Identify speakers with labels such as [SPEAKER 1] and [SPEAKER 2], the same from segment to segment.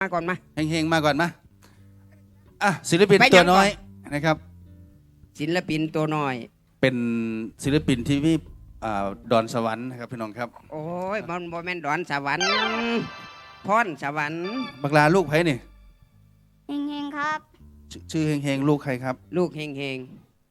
[SPEAKER 1] มาก่อนมา
[SPEAKER 2] เฮงๆมาก่อนมาศิลปินตัวน้อยนะครับ
[SPEAKER 1] ศิลปินตัวน้อย
[SPEAKER 2] เป็นศิลปินที่มีดอนสวรรค์นะครับพี่น้องครับ
[SPEAKER 1] โอ้ยมันบ่แม่นดอนสวรรค์พรสวรรค์
[SPEAKER 2] บักลาลูกไผนี่
[SPEAKER 3] เฮงๆครับ
[SPEAKER 2] ชื่อเฮงๆลูกใครครับ
[SPEAKER 1] ลูกเฮง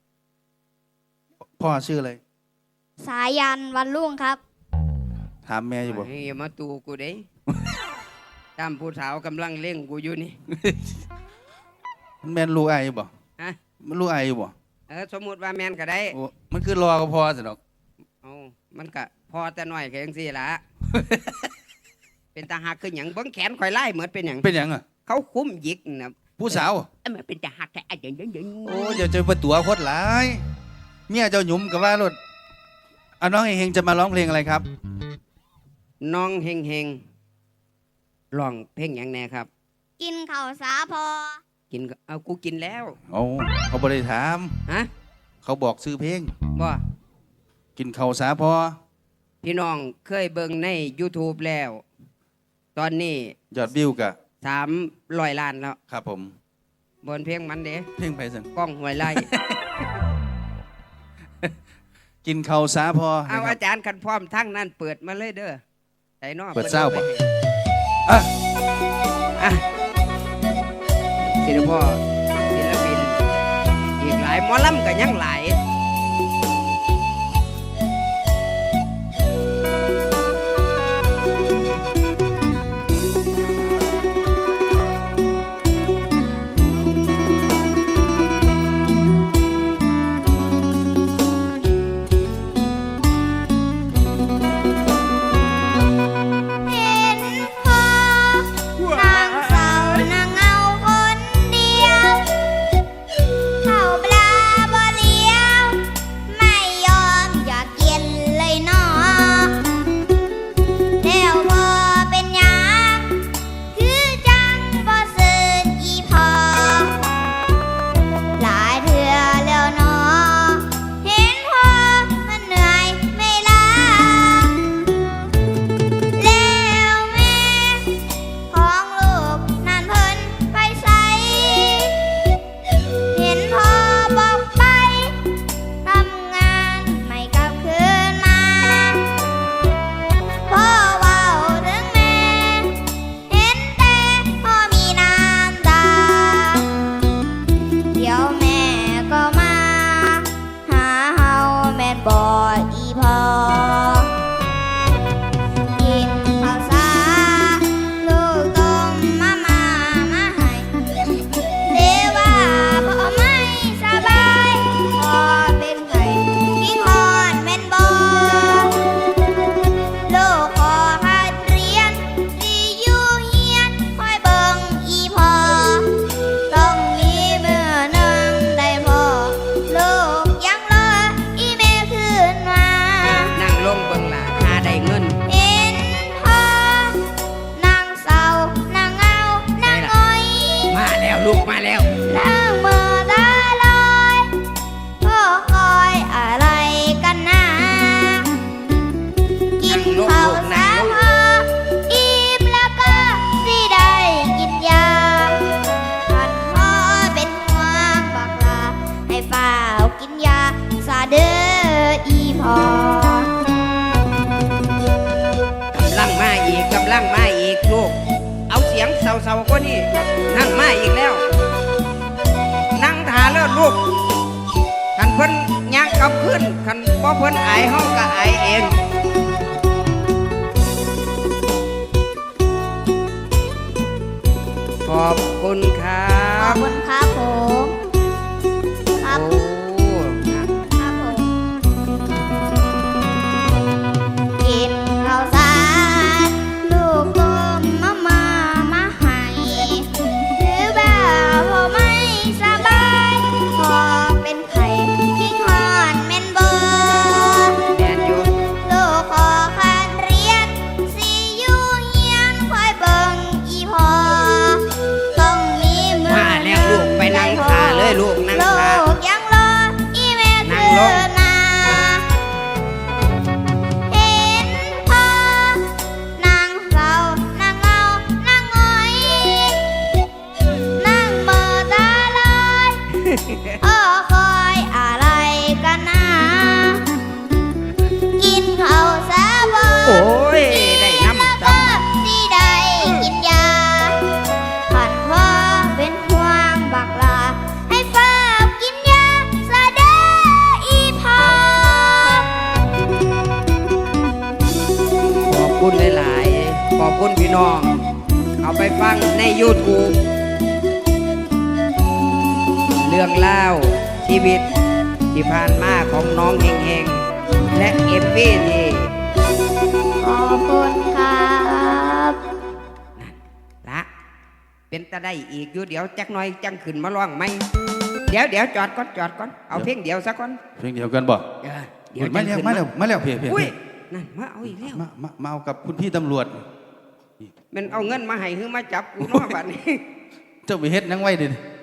[SPEAKER 2] พ่อชื่ออะไร
[SPEAKER 3] สายันวันรุ่งครับ
[SPEAKER 2] ถามแม่อยู่บ่
[SPEAKER 1] อย่ามาตูกูเด้ตามผู้สาวกำลังเล่งกูอยู่นี่
[SPEAKER 2] มันแม่นลูกไอ้บ่
[SPEAKER 1] ฮะ
[SPEAKER 2] มันลูกไอ้บ่
[SPEAKER 1] สมมุติว่าแม่นก็ได้
[SPEAKER 2] มันคือรอก็พอสิดอก
[SPEAKER 1] มันก็พอแต่น้อยแค่จังซี่ล่ะ เป็นตาหักคือหยังเบิ่งแขนข่อยไล่เหมือนเป็นหยังเขาคุ้มหยิกนะ
[SPEAKER 2] ผู้สาว
[SPEAKER 1] มันเป็นตาหักแต่อันยัง
[SPEAKER 2] โอ้อย่าเจอประตัวโคตรหลายเมียเจ้าหยุ่มกับว่ารถน้องเฮงจะมาร้องเพลงอะไรครับ
[SPEAKER 1] น้องเฮงร้องเพลงหยังแน่ครับ
[SPEAKER 3] กินข้าวสาพอ
[SPEAKER 1] กินกูกินแล้ว
[SPEAKER 2] เขาบ่ได้ถาม
[SPEAKER 1] ฮะ
[SPEAKER 2] เขาบอกซื้อเพลง
[SPEAKER 1] บ่
[SPEAKER 2] กินข้าวสาพอ
[SPEAKER 1] พี่น้องเคยเบิ่งใน YouTube แล้วตอนนี้
[SPEAKER 2] ยอดวิวกะ
[SPEAKER 1] 300 ล้านแล้ว
[SPEAKER 2] ครับผม
[SPEAKER 1] บนเพลงมันเด้
[SPEAKER 2] เพลงไผซั่น
[SPEAKER 1] ก้องห้วยไร่
[SPEAKER 2] กินข้าวสาพอ
[SPEAKER 1] เอาอาจารย์คันพร้อมทั้งนั้นเปิดมาเลยเด้อไสนอ
[SPEAKER 2] เปิดเศร้าป่ะ
[SPEAKER 1] ศิลปินอีกหลายหมอลำก็ยังหลายลูกมาแล้ว
[SPEAKER 3] นั่งมือตาลอยพ่อคอยอะไรกันนะกินข้าวสาพออิ่มแล้วก็สิได้กินยาท่านพ่อเป็นห่วงบอกลาให้เฝ้ากินยาซาเด้ออีพ่อก
[SPEAKER 1] ำลังมาอีกลูกเอาเสียงเศร้าๆก็นี่นั่งมาอีกแล้วนั่งทาแล้วลูกคันเพิ่นยักกลับขึ้นคันบ่เพิ่นอายเฮาก็อายเองขอบคุณครับ
[SPEAKER 3] ขอบคุณครับผมครับครับผมกินข้าวสารลูกต้มมาให้หรือว่าพ่อไม่สบายพอเป็นไข้ขี้คอนแม่นบ่
[SPEAKER 1] แม่นอยู่
[SPEAKER 3] ลูกขอคันเรียนสิอยู่เฮียนคอยเบิ่งอีพ่อต้องมีมือ
[SPEAKER 1] มาแล้วลูกไปนั่งทาเลยลูกนั่งทา
[SPEAKER 3] ลูกยังรออีแม่เธอนาเห็นพ่อนางเศร้านางเงานางหงอย
[SPEAKER 1] ฟังใน YouTube เรื่องเล่าชีวิตที่ผ่านมาของน้องเฮงๆและเอฟวีที่
[SPEAKER 3] ขอบคุณครับ
[SPEAKER 1] ละเป็นตะได้อีกอยู่เดี๋ยวจักหน่อยจังขึ้นมาร้องไหมเดี๋ยวจอดก่อนเอาเพลงเดียวซะก่อน
[SPEAKER 2] เพลงเดียวกันบ่
[SPEAKER 1] เดี๋ยว
[SPEAKER 2] มา
[SPEAKER 1] จัง
[SPEAKER 2] แล้ว
[SPEAKER 1] ขึ้น
[SPEAKER 2] มาแล้วเพีย
[SPEAKER 1] อุ้ยนั่นมาเอาอีกแล้ว
[SPEAKER 2] มาเอากับคุณพี่ตำรวจ
[SPEAKER 1] มันเอาเงินมาให้คือมาจับกูเนาะบัดนี้
[SPEAKER 2] เจ้าไปเฮ็ดนังไว้ดิ